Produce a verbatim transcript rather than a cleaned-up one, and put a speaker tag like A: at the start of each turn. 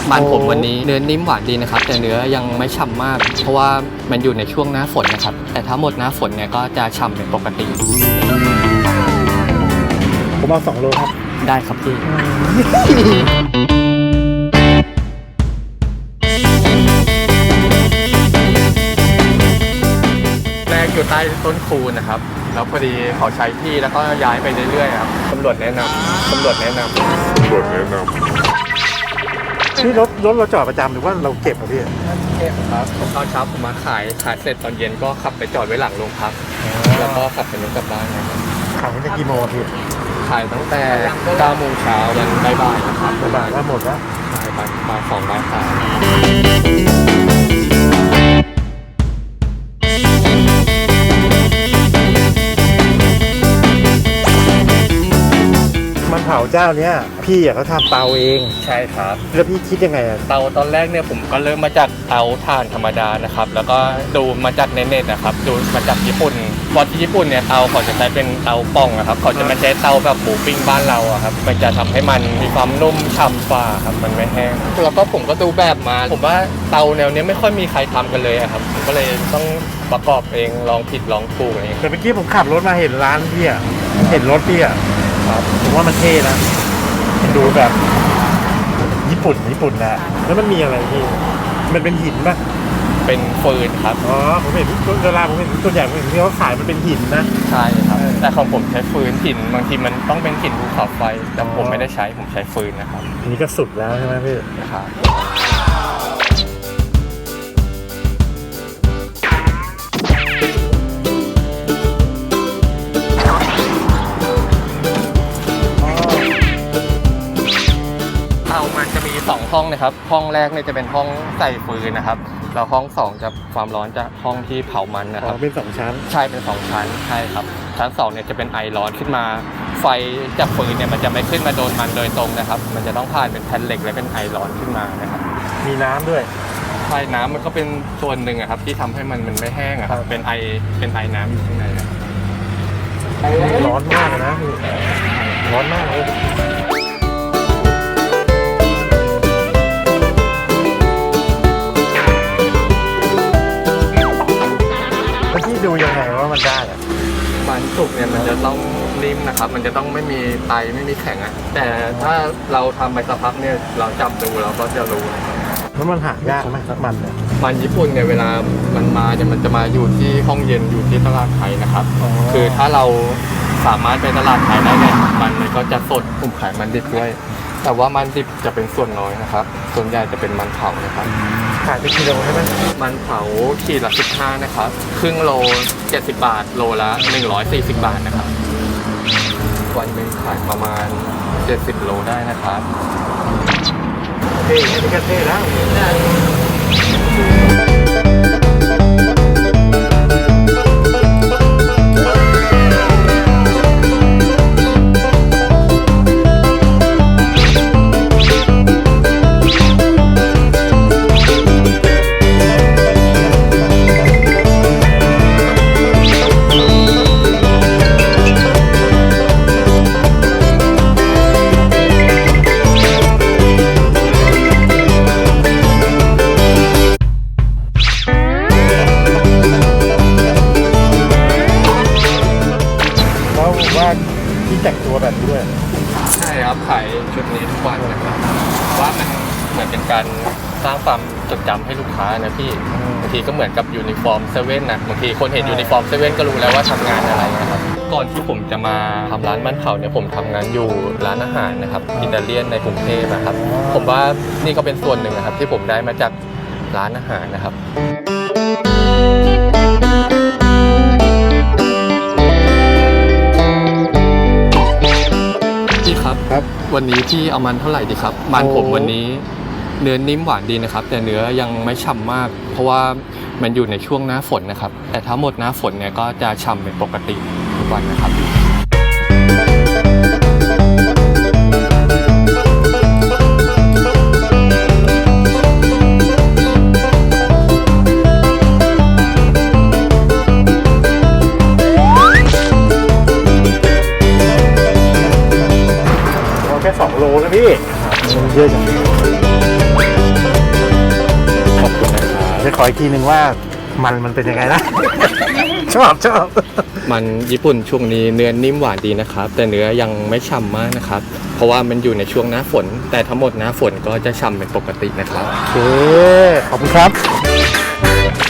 A: มันผมวันนี้เนื้อนิ่มหวานดีนะครับแต่เนื้อยังไม่ฉ่ำมากเพราะว่ามันอยู่ในช่วงหน้าฝนนะครับแต่ถ้าหมดหน้าฝนเนี่ยก็จะฉ่ำเป็นปกติ
B: ผมเอาสองโลครับ
A: ได้ครับพี่แรกอยู่ใต้ต้นคูนนะครับแล้วพอดีเขาใช้ที่แล้วก็ย้ายไปเรื่อยๆครับตำรวจแนะนำตำรวจแนะนำตำรวจแนะนำ
B: นี่รถรถเราจอดประจำหรือว่าเราเก็บอะพี่
A: เก็บครับผมตอนเช้าผมมาขายขายเสร็จตอนเย็นก็ขับไปจอดไว้หลังโรงพักแล้วก็ขับไปรถกลับบ้านนะครับ
B: ขายตั้งแต่กี่โมงพี่
A: ขายตั้งแต่เก้าโมงเช้ายันบ่ายๆนะครับ
B: บ่ายแล้วหมดแล้ว
A: ขายบ่ายบ่ายสองบ่ายสาม
B: มันเผาเจ้าเนี้ยพี่อ่ะเขาทำเตาเอง
A: ใช่ครับ
B: แล้วพี่คิดยังไงอ่ะ
A: เตาตอนแรกเนี่ยผมก็เริ่มมาจากเตาถ่านธรรมดานะครับแล้วก็ดูมาจากเน็ตๆนะครับดูมาจากญี่ปุ่นพอที่ญี่ปุ่นเนี่ยเตาเขาจะใช้เป็นเตาป่องนะครับเขาจะไม่ใช้เตาแบบหมูปิ้งบ้านเราอะครับมันจะทำให้มันมีความนุ่มฉ่ำฝ่าครับมันไม่แห้งแล้วก็ผมก็ดูแบบมาผมว่าเตาแนวนี้ไม่ค่อยมีใครทำกันเลยครับผมก็เลยต้องประกอบเองลองผิดลองถูกเอง
B: แต่เมื่อกี้ผมขับรถมาเห็นร้านพี่อ่ะเห็นรถพี่อ่ะครับผมว่ามันเท่นะมันดูแบบญี่ปุ่นญี่ปุ่นนะแล้วมันมีอะไรพี่มันเป็นหินป่ะ
A: เป็นฟืนครับ
B: อ๋อผมเห็นเวลาผมเห็นตัวใหญ่ผมเห็นที่เขาขายมันเป็นหินนะ
A: ใช่ครับแต่ของผมใช้ฟืนหินบางทีมันต้องเป็นหินภูเขาไฟแต่ผมไม่ได้ใช้ผมใช้ฟืนนะครับ
B: นี่ก็สุดแล้วใช่ไหมพี่
A: ครับสองห้องนะครับห้องแรกเนี่ยจะเป็นห้องใส่ฟืนนะครับแล้วห้องสองจะความร้อนจะห้องที่เผามันนะครับ
B: เป็นสองชั้น
A: ใช่เป็นสองชั้นใช่ครับชั้นสองเนี่ยจะเป็นไอร้อนขึ้นมาไฟจากฟืนเนี่ยมันจะไม่ขึ้นมาโดนมันโดยตรงนะครับมันจะต้องผ่านเป็นแผ่นเหล็กและเป็นไอร้อนขึ้นมานะครับ
B: มีน้ำด้วย
A: ใช่น้ำมันก็เป็นส่วนหนึ่งครับที่ทำให้มันมันไม่แห้งครับเป็นไอเป็นไอน้ำอยู่ข้างใน
B: ร้อนมากนะร้อนมากเลยดูยังไงว่ามันได้อะ
A: มันสุกเนี่ยมันจะต้องนิ่มนะครับมันจะต้องไม่มีไตไม่มีแข็งอ่ะแต่ถ้าเราทำไปสักพักเนี่ยเราจับดูเราก็จะรู้นะครับ
B: แล้วมันหายากไหมมันเนี่ย
A: มันญี่ปุ่นเนี่ยเวลามันมาเนี่ยมันจะมาอยู่ที่ห้องเย็นอยู่ที่ตลาดไทยนะครับคือถ้าเราสามารถไปตลาดไทยได้เนี่ยมันมันก็จะสดผมขายมันดิบด้วยแต่ว่ามันดิบจะเป็นส่วนน้อยนะครับส่วนใหญ่จะเป็นมันเผานะครับ
B: ขายเป็นกิโลใช่ไหม
A: มันเผาขีดละสิบห้านะครับครึ่งโลเจ็ดสิบบาทโลละหนึ่งร้อยสี่สิบบาทนะครับวันหนึ่งขายประมาณเจ็ดสิบโลได้นะครับ
B: เท่นี่ก็เท่แล้วที่แต่งตัวแบบนี้ด้วย
A: ใช่ครับขายชุดนี้ทุกวันนะครับว่ามันเหมือนเป็นการสร้างความจดจำให้ลูกค้านะพี่บางทีก็เหมือนกับยูนิฟอร์มเซเว่นนะบางทีคนเห็นยูนิฟอร์มเซเว่นก็รู้แล้วว่าทำงานอะไรนะครับก่อนที่ผมจะมาทำร้านมันเผาเนี่ยผมทำงานอยู่ร้านอาหารนะครับอิตาเลียนในกรุงเทพนะครับผมว่านี่ก็เป็นส่วนหนึ่งนะครับที่ผมได้มาจากร้านอาหารนะครับครับครับวันนี้พี่เอามันเท่าไหร่ดีครับมันผมวันนี้เนื้อนิ่มหวานดีนะครับแต่เนื้อยังไม่ฉ่ำมากเพราะว่ามันอยู่ในช่วงหน้าฝนนะครับแต่ถ้าหมดหน้าฝนเนี่ยก็จะฉ่ำเป็นปกติทุกวันนะครับ
B: สองโลนะพี่เยอะจังขออีกทีหนึ่งว่ามันมันเป็นยังไงนะ ชอบชอบ
A: มันญี่ปุ่นช่วงนี้เนื้อนิ่มหวานดีนะครับ แต่เนื้อยังไม่ฉ่ำมากนะครับ เพราะว่ามันอยู่ในช่วงหน้าฝน แต่ทั้งหมดหน้าฝนก็จะฉ่ำเป็นปกตินะครับ
B: โอเคขอบคุณครับ